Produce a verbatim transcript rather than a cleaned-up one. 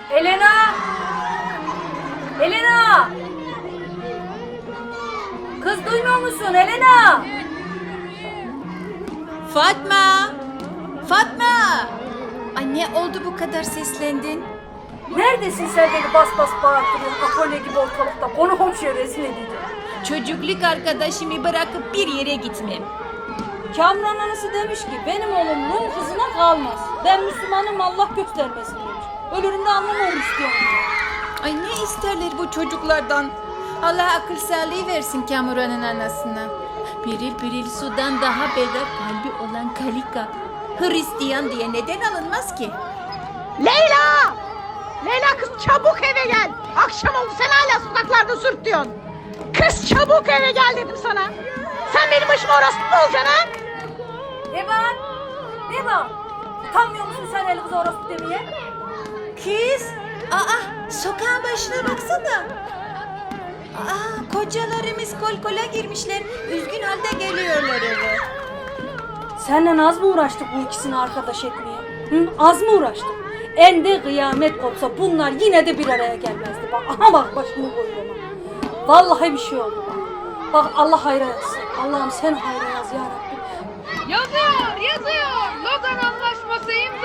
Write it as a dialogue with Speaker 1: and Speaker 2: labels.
Speaker 1: Elena! Elena! Kız duymuyor musun Elena?
Speaker 2: Fatma! Fatma! Ay ne oldu bu kadar seslendin?
Speaker 1: Neredesin sen beni bas bas bağırtırıyorsun Apollo gibi ortalıkta. Konu komşuya rezil edeceğim.
Speaker 2: Çocukluk arkadaşımı bırakıp bir yere gitmem.
Speaker 3: Kamran anası demiş ki benim oğlum Rum kızına kalmaz. Ben Müslümanım Allah göstermesin demiş. Ölürüm de anlamam istiyorum.
Speaker 2: Ay ne isterler bu çocuklardan? Allah akıl sağlığı versin Kamuran'ın anasına. Biril biril sudan daha berrak kalbi olan Kalika. Hristiyan diye neden alınmaz ki?
Speaker 4: Leyla! Leyla kız çabuk eve gel. Akşam oldu sen hala sokaklarda sürtüyorsun. Kız çabuk eve gel dedim sana. Sen benim başıma orası mı olacaksın ha?
Speaker 1: Ne var? Ne var? Utanmıyor musun sen el kıza orası demeye?
Speaker 2: Kız! Aa, sokağın başına baksana. Aa, kocalarımız kol kola girmişler. Üzgün halde geliyorlar eve.
Speaker 3: Seninle az mı uğraştık bu ikisini arkadaş etmeye? Hı? Az mı uğraştık? En de kıyamet kopsa bunlar yine de bir araya gelmezdi. Bak aha bak başımı koyuyorum. Vallahi bir şey oldu bak. Bak Allah hayra yazsın. Allah'ım sen hayra yaz ya Rabbim.
Speaker 5: Yazıyor, yazıyor. Lozan Anlaşması imzalandı.